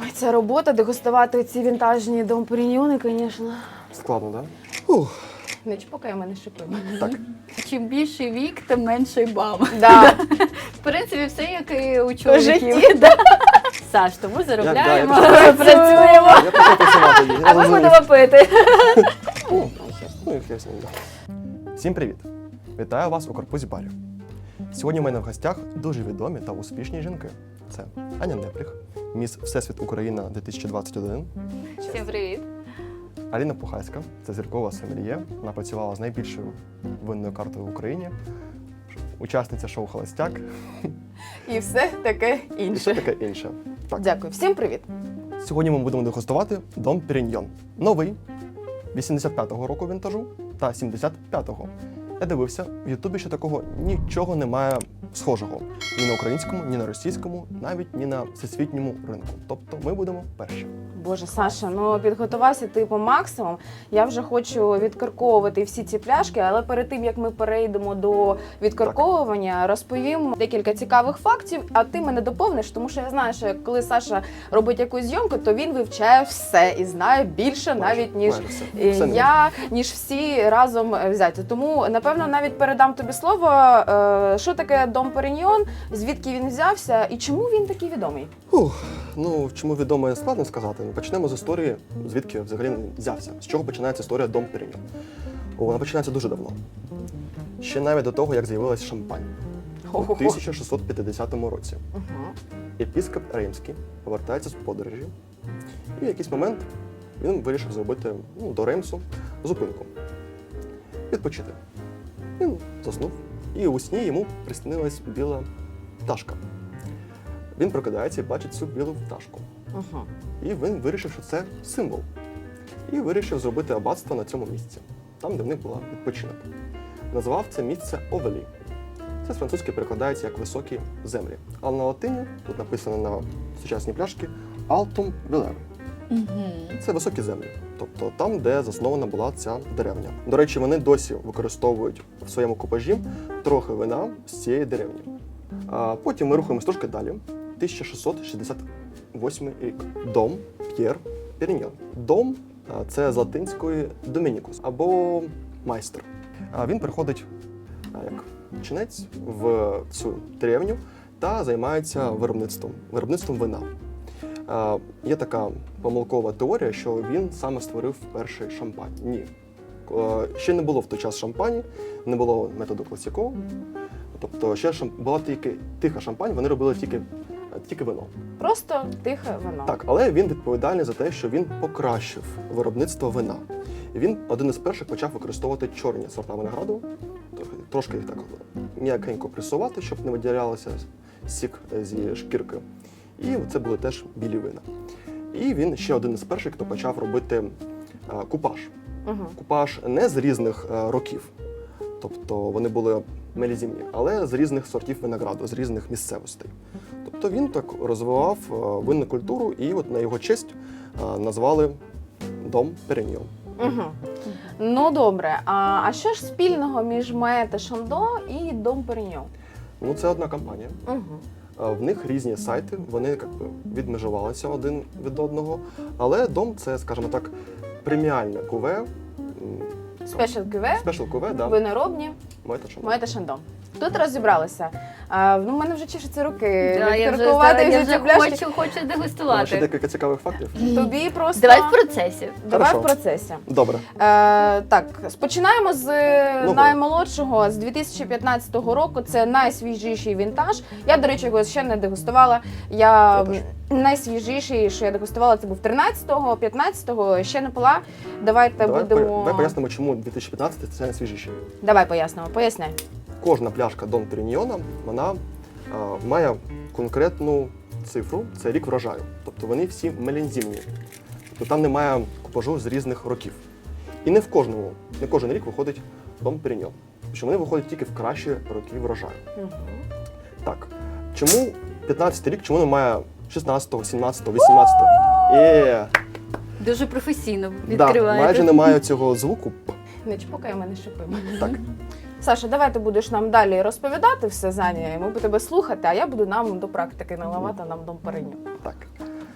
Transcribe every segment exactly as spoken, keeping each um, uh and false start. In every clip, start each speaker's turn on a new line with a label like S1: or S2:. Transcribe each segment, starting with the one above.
S1: Ой, ця робота, дегустувати ці вінтажні дом Періньйони, звісно.
S2: Складно, так? Да? Ух.
S1: Не чпокай мене шипи.
S2: Так.
S3: Чим більший вік, тим менший бам.
S1: Да.
S3: В принципі, все як і у
S1: У
S3: чоловіків.
S1: житті, да.
S3: Саш, тому
S2: Я-
S3: заробляємо,
S2: да, я
S3: працюємо.
S2: Я почав працювати. я
S1: А ми
S2: розумію.
S1: будемо пити.
S2: Ну, ну, і хер з ним, да. Всім привіт! Вітаю вас у корпусі барів. Сьогодні в мене в гостях дуже відомі та успішні жінки. Це Аня Непліх, міс Всесвіт Україна дві тисячі двадцять один,
S3: Всім привіт.
S2: Аліна Пухайська, це зіркова сомельє. Вона працювала з найбільшою винною картою в Україні, учасниця шоу «Холостяк»
S1: І все таке
S2: і все
S1: інше.
S2: таке інше. Так.
S1: Дякую. Всім привіт.
S2: Сьогодні ми будемо дегустувати Дом Періньйон. Новий, вісімдесят п'ятого року вінтажу та сімдесят п'ятого. Я дивився, в Ютубі ще такого нічого немає схожого. Ні на українському, ні на російському, навіть ні на всесвітньому ринку. Тобто ми будемо перші.
S1: Боже, Саша, ну підготувався ти по максимум. Я вже хочу відкарковувати всі ці пляшки, але перед тим, як ми перейдемо до відкарковування, розповім декілька цікавих фактів, а ти мене доповниш, тому що я знаю, що коли Саша робить якусь зйомку, то він вивчає все і знає більше
S2: Майже,
S1: навіть, ніж
S2: майже все.
S1: е,
S2: Все не
S1: я, ніж всі разом взяті. Тому, напевно, навіть передам тобі слово, е, що таке Дом Періньйон, звідки він взявся і чому він такий відомий?
S2: Ух, ну, чому відомо, складно сказати. Почнемо з історії, звідки взагалі він взявся. З чого починається історія Дом Періньйон? О, вона починається дуже давно. Ще навіть до того, як з'явилась шампань. У
S1: Хо-хо-хо.
S2: тисяча шістсот п'ятдесятому році.
S1: Угу.
S2: Епіскоп Римський повертається з подорожі, і в якийсь момент він вирішив зробити ну, до Реймсу зупинку. Відпочити. Він заснув, і у сні йому приснилась біла пташка. Він прокидається і бачить цю білу пташку.
S1: Угу.
S2: І він вирішив, що це символ. І вирішив зробити аббатство на цьому місці, там, де в них була відпочинок. Назвав це місце Овелі. Це з французьки перекладається як «високі землі». А на латині, тут написано на сучасній пляшці, «Altum Velere». Це високі землі, тобто там, де заснована була ця деревня. До речі, вони досі використовують в своєму купажі трохи вина з цієї деревні. А потім ми рухаємось трошки далі. тисяча шістсот шістдесят восьмий рік. Дом П'єр Періньйон. Дом – це з латинської «домінікус» або «майстер». А Він приходить а, як чинець в цю деревню та займається виробництвом, виробництвом вина. А, Є така помилкова теорія, що він саме створив перший шампань. Ні. А, Ще не було в той час шампані, не було методу класіко. Тобто ще шам... була тільки тиха шампань, вони робили тільки, тільки вино.
S1: Просто тихе вино.
S2: Так, але він відповідальний за те, що він покращив виробництво вина. І він один із перших почав використовувати чорні сорта винограду, трошки їх так м'якенько пресувати, щоб не виділялося сік зі шкірки. І це були теж білі вина. І він ще один із перших, хто почав робити а, купаж.
S1: Угу.
S2: Купаж не з різних а, років, тобто вони були мелізімні, але з різних сортів винограду, з різних місцевостей. Тобто він так розвивав а, винну культуру, і от на його честь а, назвали Дом Періньйон.
S1: Угу. Ну добре, а, а що ж спільного між Моет Шандо і Дом Періньйон?
S2: Ну, це одна компанія.
S1: Угу.
S2: А, В них різні сайти, вони як би відмежувалися один від одного, але Дом – це, скажімо так, преміальне куве, м,
S1: Спешл Кюве,
S2: спешл куве, да,
S1: виноробні,
S2: Моет Шандо.
S1: Моет Шандо. Тут розібралися. А, ну, в мене вже чешуться руки.
S3: Да, я вже,
S1: відкаркувати
S3: я
S1: всі
S3: вже
S1: ці пляшки.
S3: хочу, хочу
S2: Ще
S3: дегустувати.
S2: декілька цікавих фактів.
S1: Тобі просто...
S3: Давай в процесі.
S1: Давай
S2: Хорошо.
S1: в процесі.
S2: Добре.
S1: Е, так, починаємо з
S2: Нового.
S1: наймолодшого, з дві тисячі п'ятнадцятого року. Це найсвіжіший вінтаж. Я, до речі, його ще не дегустувала. Я,
S2: Я теж.
S1: найсвіжіший, що я дегустувала, це був тринадцятого, п'ятнадцятого, ще не пила. Давайте
S2: Давай,
S1: будемо...
S2: по- давай пояснимо, чому дві тисячі п'ятнадцятий це найсвіжіший.
S1: Давай пояснимо, поясняй.
S2: Кожна пляшка Дом Періньйона, вона а, має конкретну цифру, це рік врожаю. Тобто вони всі мелінзімні. Тобто там немає купажу з різних років. І не в кожному, не кожен рік виходить Дом Періньйон. Тому що вони виходять тільки в кращі роки врожаю.
S1: Угу.
S2: Так, чому п'ятнадцятий рік, чому немає шістнадцятого, сімнадцятого, вісімнадцятого? Є!
S3: Дуже професійно
S2: Да,
S3: відкриваєте.
S2: майже немає цього звуку. П.
S1: Не чпокай мене шипи.
S2: Так.
S1: Саша, давай ти будеш нам далі розповідати все, Заня, і ми будемо тебе слухати, а я буду нам до практики наливати нам Дом Періньйон.
S2: Так.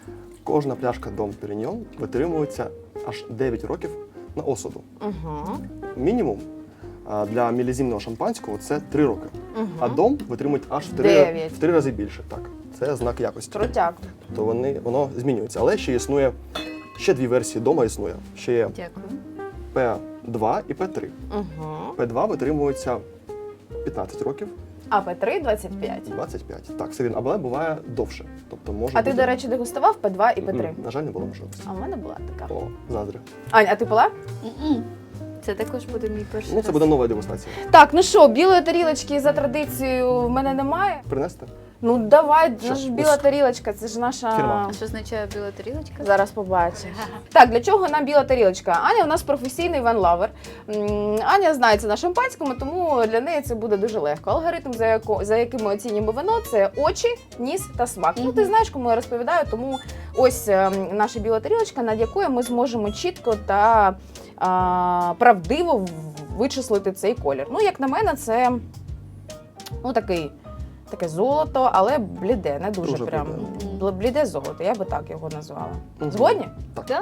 S2: Кожна пляшка Дом Періньйон витримується аж дев'ять років на осаду.
S1: Угу.
S2: Мінімум а, для мілізімного шампанського це три роки.
S1: Угу.
S2: А Дом витримують аж в три,
S1: Дев'ять.
S2: в три рази більше. Так, це знак якості.
S1: Крутяк.
S2: Тобто вони, воно змінюється. Але ще існує, ще дві версії Дома існує. Ще є
S3: Дякую.
S2: Пе два і Пе три.
S1: Угу.
S2: Пе два витримується п'ятнадцять років,
S1: А Пе три двадцять п'ять.
S2: двадцять п'ять. Так, це він, але буває довше. Тобто може
S1: А ти,
S2: бути...
S1: до речі, дегустував Пе два і Пе три?
S2: М, На жаль, не було можливості.
S1: А в мене була така.
S2: О, заздрю.
S1: Ань, а ти пила?
S3: М-м. Це також буде мій перший
S2: Ну, це
S3: раз.
S2: буде нова дегустація.
S1: Так, ну що, білої тарілочки за традицією в мене немає.
S2: Принести?
S1: Ну давай,
S2: Що?
S1: наша біла тарілочка, це ж наша.
S2: Фірма.
S3: А що означає біла тарілочка?
S1: Зараз побачиш. Так, для чого нам біла тарілочка? Аня у нас професійний ван-лавер. М, Аня знається на шампанському, тому для неї це буде дуже легко. Алгоритм, за, яко, за яким ми оцінюємо вино, це очі, ніс та смак. Ну, ти
S3: Мгм.
S1: знаєш, кому я розповідаю, тому ось ем, наша біла тарілочка, над якою ми зможемо чітко та а, правдиво в- вичислити цей колір. Ну, як на мене, це ну, такий. Таке золото, але бліде, не дуже,
S2: Дуже
S1: прям
S2: бліде.
S1: Бл- бліде золото, я би так його назвала.
S2: Мгм.
S1: Згодні?
S2: Так.
S3: Так?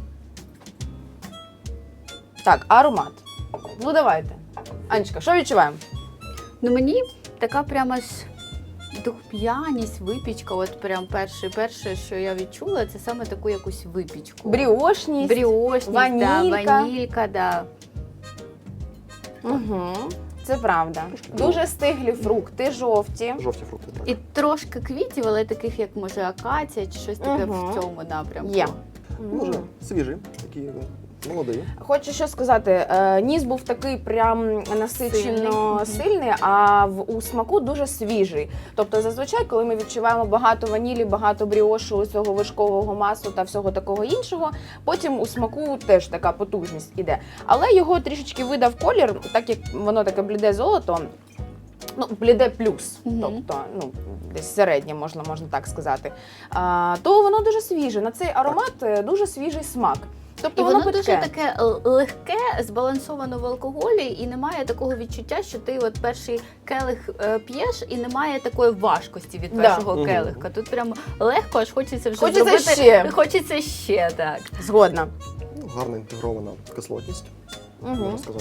S1: Так, аромат. Ну давайте. Анечка, що відчуваємо?
S3: Ну мені така прямо ж духмяність, випічка. От прям перше, перше, що я відчула, це саме таку якусь випічку.
S1: Бріошність.
S3: Бріошність,
S1: ванілька.
S3: Да, ванілька, да.
S1: Угу. Це правда.
S2: Трошки
S1: Дуже стиглі фрукти, жовті.
S2: Жовті фрукти, так.
S3: І трошки квітів, але таких, як може акація чи щось таке
S1: Мгм.
S3: в цьому напрямку.
S1: Є.
S2: Може,
S1: Мгм.
S2: свіжі, такі ну, молоді.
S1: Хочу що сказати, е, ніс був такий прям насичено
S3: Сильний.
S1: сильний, а в у смаку дуже свіжий. Тобто, зазвичай, коли ми відчуваємо багато ванілі, багато бріошу, цього вершкового масла та всього такого іншого, потім у смаку теж така потужність іде. Але його трішечки видав колір, так як воно таке бліде золото. Ну, бліде плюс,
S3: Мгм.
S1: тобто, ну, десь середнє, можна, можна так сказати. А, то воно дуже свіже. На цей аромат е, дуже свіжий смак. Тобто
S3: І
S1: воно,
S3: воно дуже
S1: питке.
S3: таке л- легке, збалансовано в алкоголі, і немає такого відчуття, що ти от перший келих е, п'єш, і немає такої важкості від
S1: Да.
S3: першого
S2: Мгм.
S3: келихка. Тут прямо легко, аж хочеться вже
S1: Хочеться
S3: зробити.
S1: ще.
S3: Хочеться ще, так.
S1: Згодна.
S2: Ну, гарна інтегрована кислотність,
S1: Угу.
S2: можна сказати.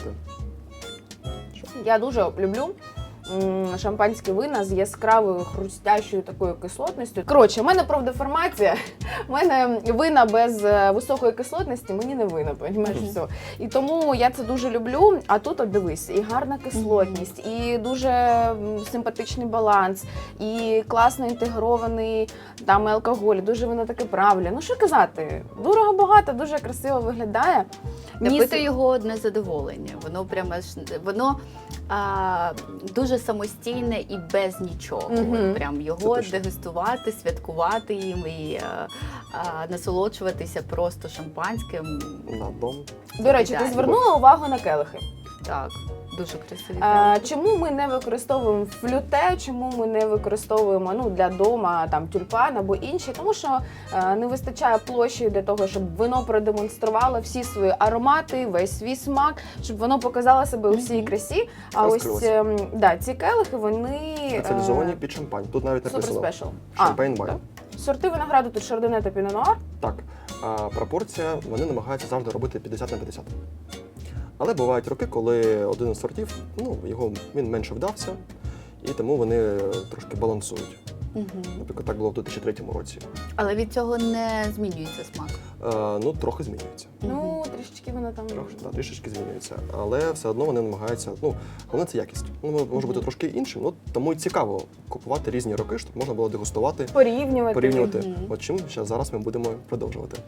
S2: Що?
S1: Я дуже люблю м, шампанські вина з яскравою хрустящою такою кислотністю. Коротше, в мене профдеформація. У мене вина без е, високої кислотності мені не вина, понімаєш,
S2: Мгм.
S1: все. І тому я це дуже люблю. А тут, от дивись, і гарна кислотність, і дуже м, симпатичний баланс, і класно інтегрований там і алкоголь. Дуже воно таке правильне. Ну що казати, дорого багато, дуже красиво виглядає. Ніс-
S3: Пити його одне задоволення. Воно прямо ж воно а, дуже самостійне і без нічого.
S1: Мгм.
S3: Прям його
S2: Це точно.
S3: дегустувати, святкувати їм і а, а, насолоджуватися просто шампанським.
S2: На дом.
S1: До речі, ти
S3: Ідеально.
S1: звернула увагу на келихи.
S3: Так, дуже красиві.
S1: А, чому ми не використовуємо флюте, чому ми не використовуємо ну, для дома там тюльпан або інші? Тому що е, не вистачає площі для того, щоб вино продемонструвало всі свої аромати, весь свій смак, щоб воно показало себе у всій
S3: Мгм.
S1: красі. А ось
S2: Розкрилося.
S1: ем, да, ці келихи, вони
S2: Спеціалізовані
S1: е,
S2: під шампань. Тут навіть
S1: супер
S2: написано
S1: спешл.
S2: Шампейн
S1: А,
S2: вайн.
S1: так? Сорти винограду тут шардоне та пінонуар.
S2: Так, а пропорція вони намагаються завжди робити п'ятдесят на п'ятдесят. Але бувають роки, коли один із сортів, ну, його він менше вдався, і тому вони е, трошки балансують.
S3: Мгм.
S2: Наприклад, так було в дві тисячі третьому році.
S3: Але від цього не змінюється смак.
S2: Е, ну, трохи змінюється.
S1: Ну, трішечки воно там.
S2: Трохи, да, трішечки змінюється. Але все одно вони намагаються. Ну, головне це якість. Воно може бути трошки іншим, ну тому і цікаво купувати різні роки, щоб можна було дегустувати,
S1: Порівнювати.
S2: порівнювати.
S3: Мгм.
S2: От чим ще зараз ми будемо продовжувати.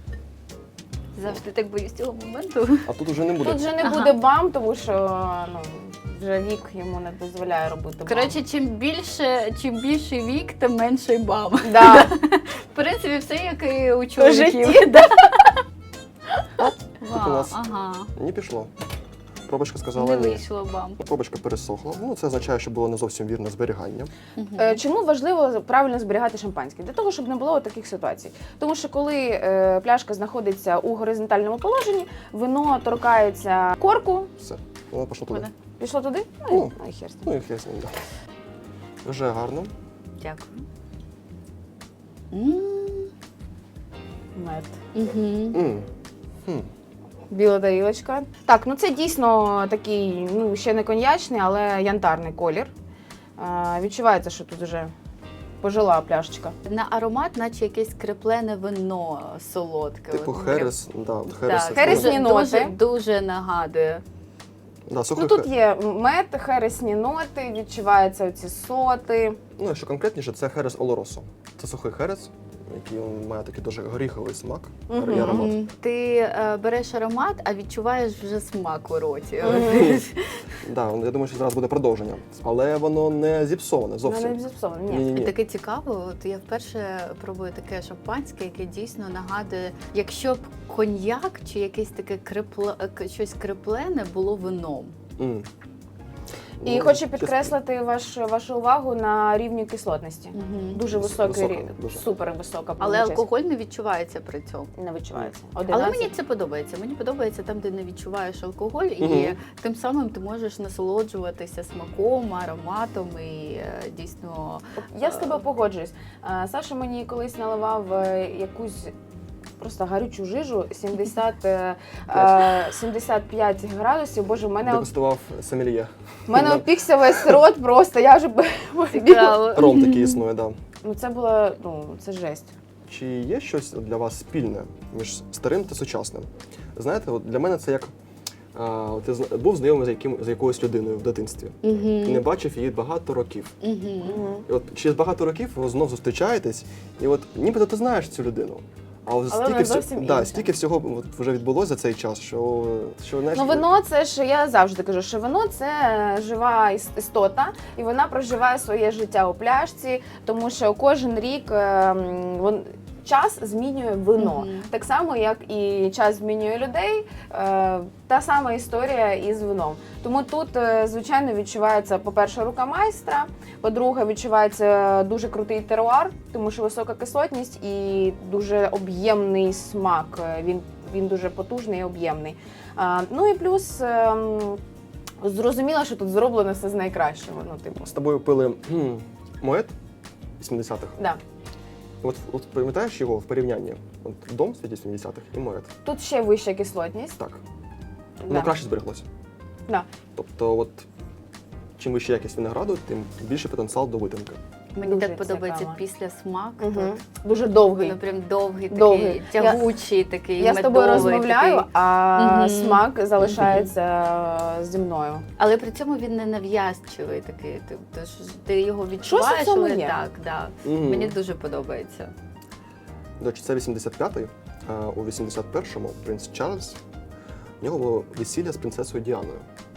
S3: Завжди так боюсь цього моменту.
S2: А тут уже не буде.
S1: Тут вже не
S3: Ага.
S1: буде бам, тому що ну, вже вік йому не дозволяє робити бам.
S3: Коротше, чим більше, чим більший вік, тим менший бам.
S1: да.
S3: В принципі, все як і у
S1: По
S3: чоловіків.
S1: житті.
S3: Да.
S2: Тут у
S3: Вау,
S2: нас
S3: ага.
S2: не пішло. Пробочка сказала
S3: Не
S2: ні.
S3: вийшло бам.
S2: Пробочка пересохла. Ну, це означає, що було не зовсім вірне зберігання.
S3: Мгм.
S1: Е, Чому важливо правильно зберігати шампанське? Для того, щоб не було таких ситуацій. Тому що коли е, пляшка знаходиться у горизонтальному положенні, вино торкається корку,
S2: Все, воно пішло туди.
S3: Мене.
S1: пішло туди, ну,
S2: Ну.
S1: і- ну і хер з ним.
S2: Ну і хай з ним, да. Вже гарно.
S3: Дякую. М.
S1: Мед.
S3: Угу.
S2: М. Хм.
S1: Біла тарілочка. Так, ну це дійсно такий, ну ще не коньячний, але янтарний колір. Е, відчувається, що тут вже пожила пляшечка.
S3: На аромат, наче якесь креплене вино солодке.
S2: Типу
S3: От,
S2: Херес, да, от Херес.
S3: Так,
S2: це
S1: Хересні
S3: дуже,
S1: ноти.
S3: дуже, дуже нагадує.
S2: Да, сухий
S1: Ну тут
S2: хе-
S1: є мед, хересні ноти, відчуваються оці соти.
S2: Ну, якщо конкретніше, це Херес Олоросо. Це сухий херес, який він має такий дуже горіховий смак
S1: Мгм.
S2: і аромат.
S3: Мгм. Ти е, береш аромат, а відчуваєш вже смак у роті.
S1: Мгм.
S2: Да, я думаю, що зараз буде продовження. Але воно не зіпсоване
S1: Ну, не
S2: зовсім.
S1: зіпсовано, ні.
S2: Ні-ні-ні.
S3: Таке цікаво, от я вперше пробую таке шампанське, яке дійсно нагадує, якщо б коньяк чи якесь таке крепле, к- щось креплене було вином.
S2: М.
S1: І
S2: Ну,
S1: хочу
S2: чесно,
S1: підкреслити ваш, вашу увагу на рівні кислотності. Дуже
S2: Вис-
S1: високий
S2: висока,
S1: рівень,
S2: дуже.
S1: супер висока.
S3: Але
S1: чесно.
S3: алкоголь не відчувається при цьому.
S1: не відчувається.
S3: Але
S1: одинадцять.
S3: мені це подобається. Мені подобається там, де не відчуваєш алкоголь, і
S2: Мгм.
S3: тим самим ти можеш насолоджуватися смаком, ароматом і е, дійсно.
S1: Я з тобою погоджуюсь. Е, Саша мені колись наливав е, якусь просто гарючу жижу сімдесят, е, е, сімдесят п'ять градусів. Боже, в мене,
S2: Дегустував сомельє.
S1: в мене опікся весь рот просто. Я вже б-
S3: Цікаво.
S2: Ром такий існує, да.
S1: Ну це було, ну це жесть.
S2: Чи є щось для вас спільне між старим та сучасним? Знаєте, от для мене це як а, от ти зна- був знайомий з, яким, з якоюсь людиною в дитинстві і не
S3: Мгм.
S2: бачив її багато років.
S3: Мгм.
S1: Мгм.
S2: І от через багато років ви знов зустрічаєтесь, і от нібито ти знаєш цю людину. А от
S1: Але
S2: стільки,
S1: вона
S2: всі-
S1: зовсім
S2: да,
S1: інша.
S2: стільки всього от вже відбулося за цей час, що, що знаєш,
S1: Ну, вино це ж я завжди кажу, що вино це жива іс- істота, і вона проживає своє життя у пляшці, тому що кожен рік ем, вон, час змінює вино.
S3: Мгм.
S1: Так само, як і час змінює людей, е, та сама історія із вином. Тому тут, е, звичайно, відчувається, по-перше, рука майстра, по-друге, відчувається дуже крутий теруар, тому що висока кислотність і дуже об'ємний смак. Е, Він, він дуже потужний і об'ємний. А, ну і плюс ем, зрозуміло, що тут зроблено все з найкращого. Ну, типу,
S2: з тобою пили кхм, Моет вісімдесятих.
S1: да.
S2: От, от пам'ятаєш його в порівнянні? От дом з вісімдесятих і Моет.
S1: Тут ще вища кислотність.
S2: Так. Воно
S1: Да.
S2: краще збереглося.
S1: Да.
S2: Тобто, от чим вища якість винограду, тим більше потенціал до витримки.
S3: Мені
S1: Дуже
S3: так подобається
S1: цікаво.
S3: після смак.
S1: Угу. Дуже довгий.
S3: Воно прям довгий,
S1: Довгий.
S3: такий тягучий, такий
S1: Я з тобою
S3: медовий,
S1: розмовляю,
S3: такий.
S1: а
S3: Мгм.
S1: смак залишається зі мною.
S3: Але при цьому він не нав'язчивий такий. Ти, ти, ж- ти його відчуваєш,
S1: в цьому
S3: але
S1: є.
S3: так, да.
S2: Мгм.
S3: Мені дуже подобається.
S2: До речі, це вісімдесят п'ятий, а у вісімдесят першому принц Чарльз, в нього було весілля з принцесою Діаною.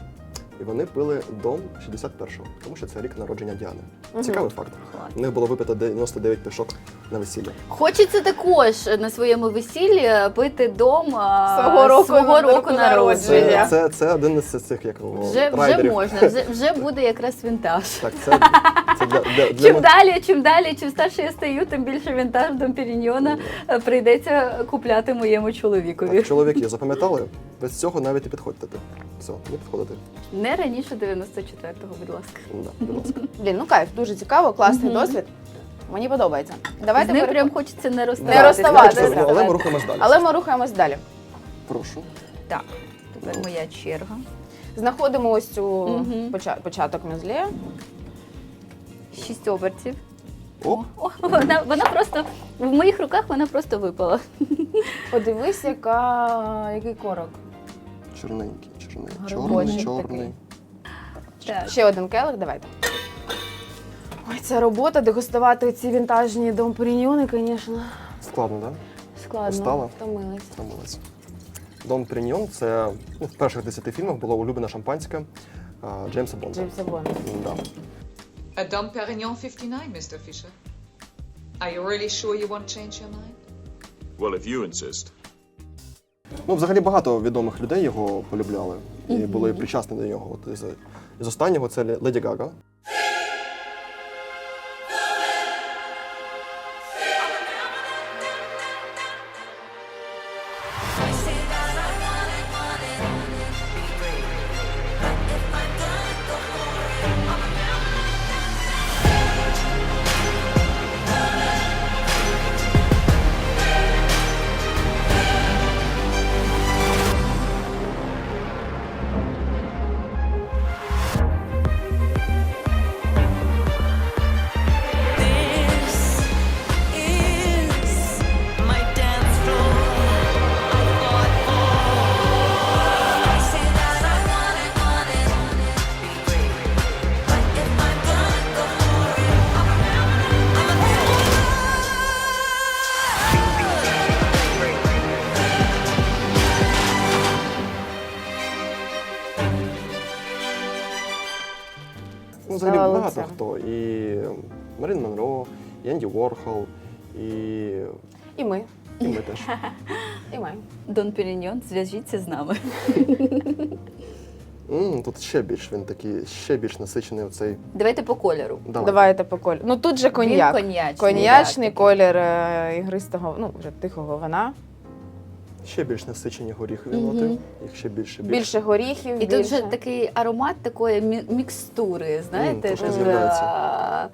S2: І вони пили дом шістдесят першого, тому що це рік народження Діани.
S1: Мгм.
S2: Цікавий факт.
S3: Клас.
S2: У них було випито дев'яносто дев'ять пішок на весілля.
S3: Хочеться також на своєму весіллі пити дом а,
S1: Свого року
S3: свого
S1: року
S3: року
S1: народження.
S3: народження.
S2: Це, це, це один із цих як його,
S3: Вже, вже
S2: райдерів.
S3: можна, вже, вже буде якраз вінтаж.
S2: Так, це, це для, для, для
S3: Чим
S2: мо-
S3: далі, чим далі, чим старше я стаю, тим більше вінтаж Дом Періньйона е, прийдеться купляти моєму чоловікові.
S2: Так, чоловіки, запам'ятали? Без цього навіть і підходьте. Все, не підходите.
S3: Не раніше дев'яносто четвертого, будь ласка.
S2: Да, будь ласка.
S1: Блін, ну кайф, дуже цікаво, класний
S3: Мгм.
S1: досвід. Мені подобається.
S3: З
S1: Давайте
S3: ним
S1: переходимо.
S3: прям хочеться не
S1: Не
S3: розставатися.
S1: розставатися.
S2: Хочете, але
S1: давайте.
S2: ми рухаємось далі.
S1: Але ми рухаємось далі.
S2: Прошу.
S3: Так, тепер моя черга.
S1: Знаходимо ось цю
S3: Мгм.
S1: поча- початок мюзлі.
S3: Шість обертів.
S2: Оп.
S3: О, вона, вона просто в моїх руках вона просто випала.
S1: Подивись, яка, який корок.
S2: Чорненький, чорний,
S1: Глибочий
S2: чорний, чорний.
S3: Так.
S1: Ще один келих, давайте. Ой, ця робота, дегустувати ці вінтажні Дом Періньйони, звісно,
S2: Складно, так? Да?
S1: складно.
S2: Устала?
S1: Втомилась.
S2: Втомилась. Дом Періньйон – це ну, в перших десяти фільмах було улюблене шампанське а, Джеймса Бонда.
S1: Джеймса Бонда.
S2: Да.
S4: A Dom Perignon fifty-nine, Mister Fisher. Are you really sure you won't change your mind?
S5: Well, if you insist.
S2: Ну, взагалі багато відомих людей його полюбляли і були причасні до нього. От із, із останнього це Леді Гага. взагалі
S1: Дала
S2: багато
S1: лице.
S2: хто. І Марин Монро, і Енді Ворхол, і,
S1: І ми.
S2: і ми теж.
S1: І ми.
S3: Дон Періньйон, зв'яжіться з нами.
S2: М, Тут ще більш він такий, ще більш насичений оцей.
S3: Давайте по кольору.
S2: Давай.
S1: Давайте по кольору. Ну тут же коньяк.
S3: Він коньячний.
S1: Коньячний
S3: так,
S1: колір е, ігристого, ну вже тихого вина.
S2: Ще більш насичені горіхові ноти.
S3: Мгм.
S2: Їх ще більше більше.
S1: Більше горіхів,
S3: І
S1: більше.
S3: тут вже такий аромат такої мі- мікстури, знаєте?
S2: трошки
S3: дуже,
S2: з'являється.
S3: а,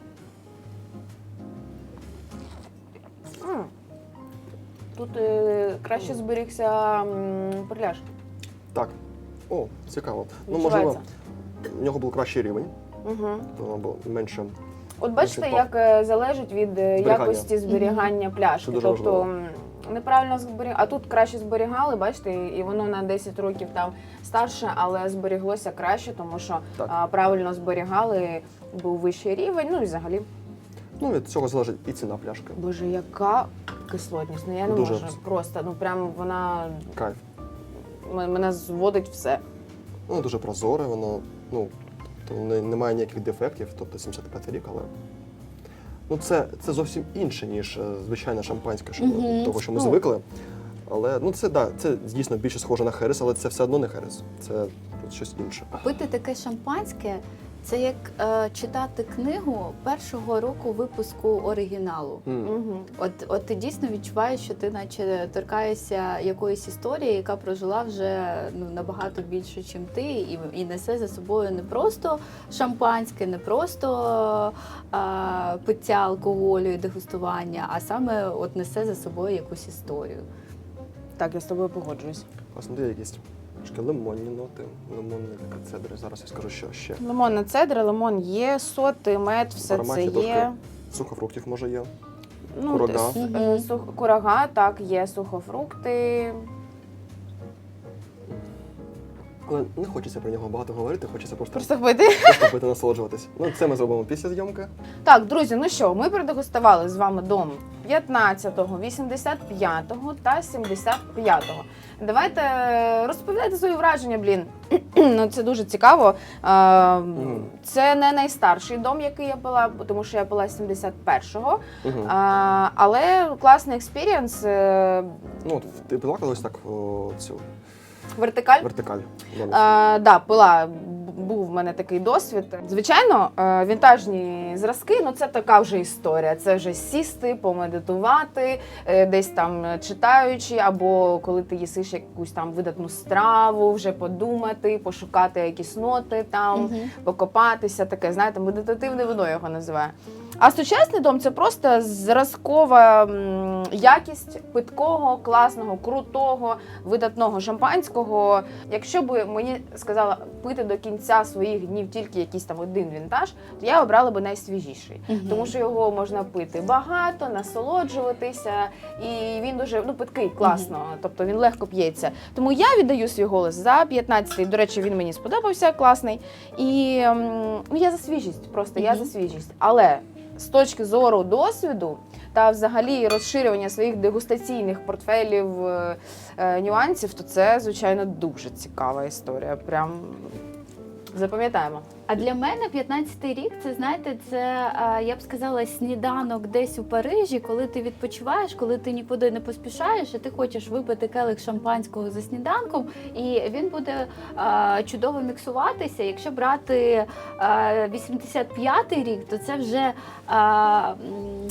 S1: М. Тут е, краще зберігся м, перляж.
S2: Так. О, цікаво. Ну, можливо,
S1: Відчувається.
S2: в нього був кращий рівень,
S1: Угу.
S2: то воно було менше.
S1: От бачите,
S2: Інший
S1: як е, залежить від е,
S2: Зберігання.
S1: якості зберігання пляшки.
S2: Це дуже
S1: Тобто
S2: важливо.
S1: м, неправильно зберігали, а тут краще зберігали, бачите, і воно на десять років там старше, але зберіглося краще, тому що
S2: Так.
S1: а, правильно зберігали, був вищий рівень, ну і взагалі.
S2: Ну, від цього залежить і ціна пляшки.
S1: Боже, яка кислотність, ну я не
S2: Дуже.
S1: можу. Просто, ну прям вона
S2: Кайф.
S1: м- мене зводить все.
S2: Воно дуже прозоре, воно, ну, то не, немає ніяких дефектів, тобто сімдесят п'ятий рік, але. Ну, це, це зовсім інше, ніж е, звичайне шампанське, що,
S3: Мгм.
S2: того, що ми
S1: Ну.
S2: звикли. Але ну це да, це дійсно більше схоже на херес, але це все одно не херес. Це щось інше.
S3: Пити таке шампанське це як е, читати книгу першого року випуску оригіналу.
S2: М.
S1: Угу.
S3: От, от ти дійсно відчуваєш, що ти наче торкаєшся якоїсь історії, яка прожила вже ну, набагато більше, ніж ти, і, і несе за собою не просто шампанське, не просто а, пиття алкоголю і дегустування, а саме от несе за собою якусь історію.
S1: Так, я з тобою погоджуюсь.
S2: Власне, є якісь трошки лимонні ноти, лимонні такі цедри. Зараз я скажу, що ще.
S1: Лимонна цедра, лимон є, соти, мед, все
S2: В
S1: це
S2: ароматі
S1: є.
S2: трошки сухофруктів може є.
S1: Ну,
S2: Курага.
S1: с- е, сух- курага, так, є сухофрукти.
S2: Але не хочеться про нього багато говорити, хочеться просто,
S1: Просто пити.
S2: просто пити, насолоджуватись. Ну, це ми зробимо після зйомки.
S1: Так, друзі, ну що, ми продегустували з вами дом п'ятнадцятого, вісімдесят п'ятого та сімдесят п'ятого. Давайте е, розповідайте свої враження, блін. Ну, це дуже цікаво. Е, Це не найстарший дом, який я пила, тому що я пила з сімдесят першого.
S2: Угу.
S1: А, але класний експірієнс, е,
S2: Ну, от ти пила колись так о, цю
S1: вертикаль.
S2: вертикаль.
S1: А, да, пила, б- був в мене такий досвід. Звичайно, е, вінтажні зразки, ну це така вже історія. Це вже сісти, помедитувати, е, десь там читаючи, або коли ти їсиш якусь там видатну страву, вже подумати, пошукати якісь ноти там, покопатися, таке, знаєте, медитативне вино його називає. А сучасний дом це просто зразкова м, якість питкого, класного, крутого, видатного шампанського. Якщо б мені сказала пити до кінця своїх днів тільки якийсь там один вінтаж, то я обрала би найсвіжіший.
S3: Мгм.
S1: Тому що його можна пити багато, насолоджуватися, і він дуже ну, питкий, класно, тобто він легко п'ється. Тому я віддаю свій голос за п'ятнадцятий. До речі, він мені сподобався, класний. І ем, ну, я за свіжість, просто я
S3: Мгм.
S1: за свіжість. Але з точки зору досвіду та взагалі розширювання своїх дегустаційних портфелів, е, е, нюансів, то це, звичайно, дуже цікава історія. Прям запам'ятаємо.
S3: А для мене п'ятнадцятий рік, це знаєте, це а, я б сказала сніданок десь у Парижі, коли ти відпочиваєш, коли ти нікуди не поспішаєш, і ти хочеш випити келих шампанського за сніданком, і він буде а, чудово міксуватися. Якщо брати а, вісімдесят п'ятий рік, то це вже а, м,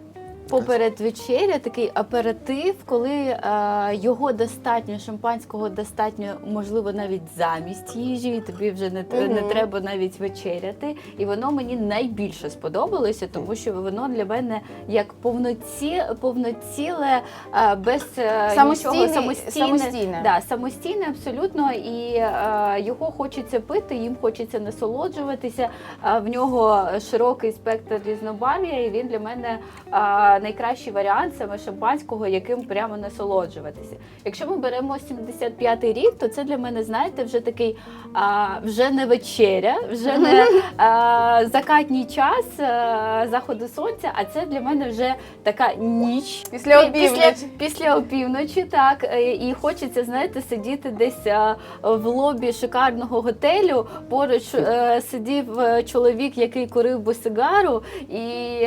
S3: поперед вечеря, такий аперитив, коли е, його достатньо, шампанського достатньо, можливо, навіть замість їжі, і тобі вже не, тр- не
S1: Мгм.
S3: треба навіть вечеряти. І воно мені найбільше сподобалося, тому що воно для мене як повноці, повноціле, е, без е,
S1: Самостійний-
S3: нічого, самостійне,
S1: самостійне.
S3: Да, самостійне абсолютно, і е, його хочеться пити, їм хочеться насолоджуватися. Е, в нього широкий спектр різнобарв'я, і він для мене е, найкращий варіант саме шампанського, яким прямо насолоджуватися. Якщо ми беремо сімдесят п'ятий рік, то це для мене, знаєте, вже такий а, вже не вечеря, вже не а, закатній час а, заходу сонця, а це для мене вже така ніч.
S1: Після
S3: Пі-
S1: опівночі.
S3: Після, після опівночі, так. Е, І хочеться, знаєте, сидіти десь а, в лобі шикарного готелю. Поруч е, сидів е, чоловік, який курив би сигару, і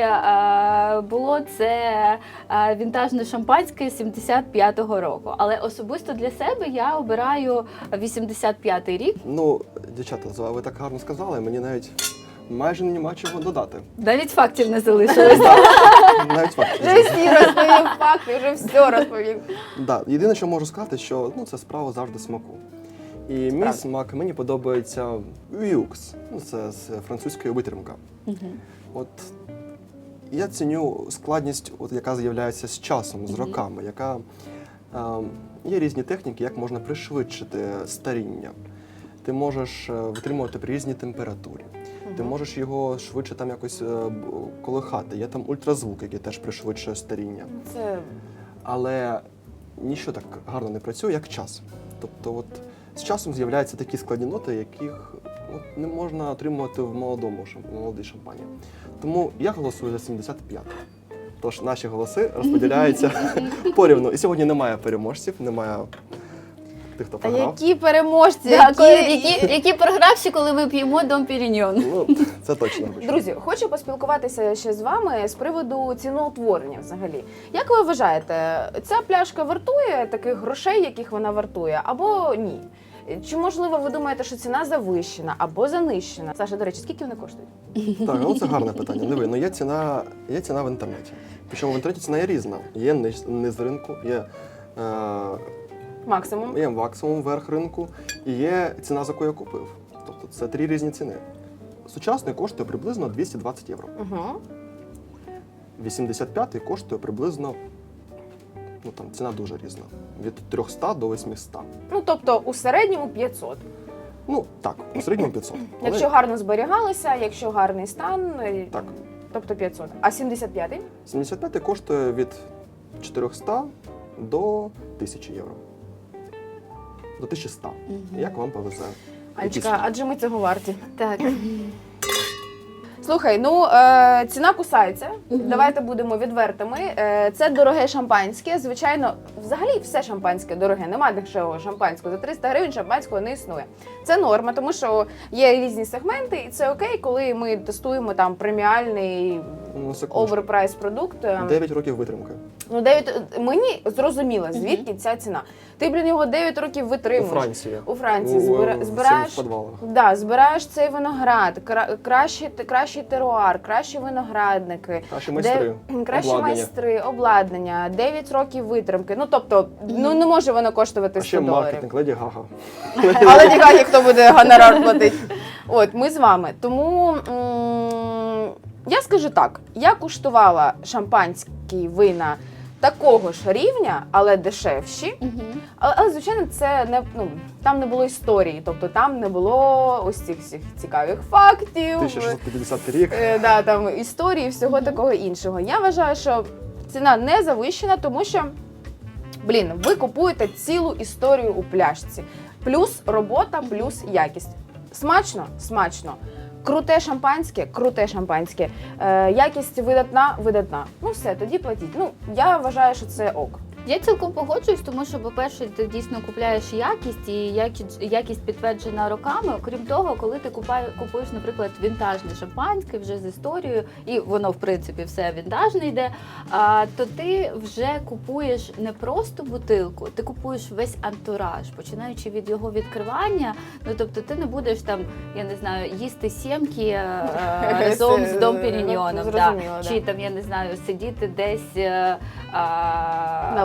S3: е, було це е, вінтажне шампанське сімдесят п'ятого року. Але особисто для себе я обираю вісімдесят п'ятий рік.
S2: Ну, дівчата, ви так гарно сказали, мені навіть майже нема чого додати.
S3: Навіть фактів не залишилось.
S2: Навіть факт.
S1: Вже всі розповів факти, вже все розповів.
S2: Да, єдине, що можу сказати, що ну, це справа завжди смаку. І мій
S1: Правда.
S2: смак мені подобається Вюкс. Ну, це з французької витримка. От я ціню складність, от, яка з'являється з часом, з роками, яка е, є різні техніки, як можна пришвидшити старіння. Ти можеш е, витримувати при різній температурі. Ти можеш його швидше там якось е, б- колихати. Є там ультразвук, який теж пришвидшує старіння.
S1: Це
S2: Але ніщо так гарно не працює, як час. Тобто, от з часом з'являються такі складні ноти, яких от, не можна отримувати в молодому шам- в молодій шампані. Тому я голосую за сімдесят п'ять. Тож наші голоси розподіляються порівну. І сьогодні немає переможців, немає тих, хто
S1: та
S2: програв.
S1: які переможці,
S3: Які,
S1: які...
S3: які, які програвші, коли ми п'ємо Дом Піріньйон.
S2: Ну, це точно.
S1: Друзі, хочу поспілкуватися ще з вами з приводу ціноутворення взагалі. Як ви вважаєте, ця пляшка вартує таких грошей, яких вона вартує, або ні? Чи, можливо, ви думаєте, що ціна завищена або занищена? Саша, до речі, скільки вони коштують?
S2: Так, ну це гарне питання. Диви, ну є ціна, є ціна в інтернеті. Причому в інтернеті ціна є різна. Є низ, низ ринку, є, е,
S1: Максимум?
S2: є максимум верх ринку і є ціна, за яку я купив. Тобто це три різні ціни. Сучасний коштує приблизно двісті двадцять євро.
S1: Угу.
S2: вісімдесят п'ятий коштує приблизно, ну там ціна дуже різна, від триста до восьмисот.
S1: Ну, тобто, у середньому п'ятсот.
S2: Ну так, у середньому п'ятсот. Але-
S1: Якщо гарно зберігалися, якщо гарний стан, е,
S2: Так.
S1: тобто п'ятсот. А сімдесят п'ятий?
S2: сімдесят п'ятий коштує від чотириста до тисячі євро. До тисячі ста. Як вам повезе?
S1: Альчика, адже ми цього варті.
S3: Так.
S1: Слухай, ну е, ціна кусається. Давайте будемо відвертими. Е, це дороге шампанське. Звичайно, взагалі все шампанське дороге. Нема дешевого шампанського. За триста гривень шампанського не існує. Це норма, тому що є різні сегменти, і це окей, коли ми тестуємо там преміальний
S2: Ну, секундочку.
S1: оверпрайс продукт. Е,
S2: дев'ять років витримки.
S1: Ну, дев'ять мені зрозуміло, звідки ця ціна. Ти, блін, його дев'ять років
S2: У
S1: витримуєш.
S2: Франції.
S1: У Франції
S2: У-
S1: збира-
S2: в
S1: збираєш,
S2: цих підвалах.
S1: да, збираєш цей виноград, кра- кращий, кращий теруар, кращі виноградники,
S2: Наші майстри.
S1: де- кращі
S2: обладнання.
S1: майстри, обладнання, дев'ять років витримки. Ну тобто, ну не може воно коштувати
S2: А ще
S1: сто доларів.
S2: маркетинг, Леді Гага.
S1: Але ніяк, хто буде гонорар платити. От, ми з вами. Тому м- я скажу так: я куштувала шампанські вина такого ж рівня, але дешевші. Але, але звичайно, це не ну там не було історії, тобто там не було ось цих всіх цікавих фактів.
S2: тисяча шістсот п'ятдесятий рік.
S1: Е, да, там історії, всього такого іншого. Я вважаю, що ціна не завищена, тому що, блін, ви купуєте цілу історію у пляшці. Плюс робота, плюс якість. Смачно? Смачно. Круте шампанське, круте шампанське. Е, якість видатна, видатна. Ну все, тоді платіть. Ну, я вважаю, що це ок.
S3: Я цілком погоджуюсь, тому що, по-перше, ти дійсно купляєш якість, і якість, якість підтверджена роками. Окрім того, коли ти купає, купуєш, наприклад, вінтажне шампанське вже з історією, і воно, в принципі, все вінтажне йде, а, то ти вже купуєш не просто бутилку, ти купуєш весь антураж, починаючи від його відкривання. Ну, тобто ти не будеш там, я не знаю, їсти сімки е, разом з Дом Піріньйоном,
S1: Ну,
S3: да.
S1: зрозуміло, да.
S3: Чи там, я не знаю, сидіти десь е, а,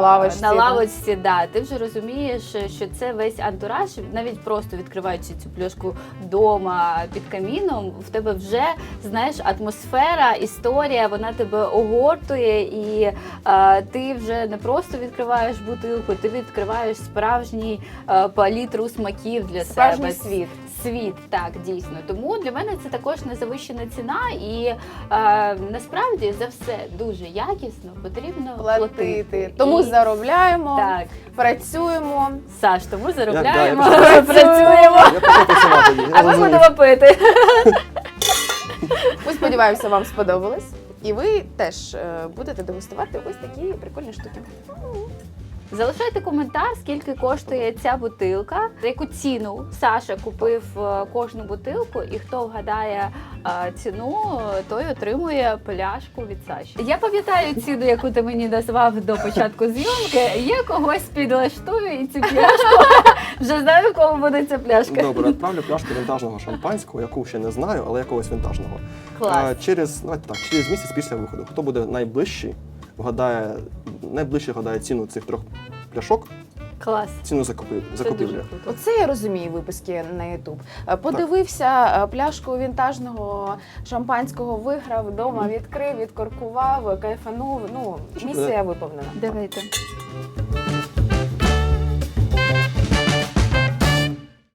S1: лавочці,
S3: на
S1: да.
S3: лавочці, да, ти вже розумієш, що це весь антураж, навіть просто відкриваючи цю пляшку вдома під каміном, в тебе вже, знаєш, атмосфера, історія, вона тебе огортує, і а, ти вже не просто відкриваєш бутилку, ти відкриваєш справжній а, палітру смаків для
S1: Справжній
S3: себе.
S1: світ.
S3: Світ, так, дійсно. Тому для мене це також незавищена ціна, і е, насправді за все дуже якісно потрібно платити.
S1: Платити. Тому
S3: І-
S1: заробляємо,
S3: Так,
S1: працюємо.
S3: Саш, тому
S2: Я-
S3: заробляємо,
S2: да, я
S3: працюємо,
S2: Я почав працювати. я
S3: а ми
S2: розумію.
S3: будемо пити.
S1: Ми сподіваємося, вам сподобалось. І ви теж е, будете дегустувати ось такі прикольні штуки.
S3: Залишайте коментар, скільки коштує ця бутилка, за яку ціну Саша купив е, кожну бутилку, і хто вгадає е, ціну, той отримує пляшку від Саші. Я пам'ятаю ціну, яку ти мені назвав до початку зйомки. Я когось підлаштую і цю пляшку вже знаю, в кому буде ця пляшка.
S2: Добре, відправлю пляшку вінтажного шампанського, яку ще не знаю, але якогось вінтажного.
S3: Клас.
S2: А, через, давайте так, через місяць після виходу. Хто буде найближчий, вгадає, найближче вгадає ціну цих трьох пляшок,
S3: Клас.
S2: ціну закупи-
S3: Це
S2: закупівлі.
S3: дуже круто.
S1: Оце я розумію виписки на Ютуб. Е, Подивився е, пляшку вінтажного шампанського, виграв вдома, відкрив, відкоркував, кайфанув. Ну, місія виповнена.
S3: Давайте.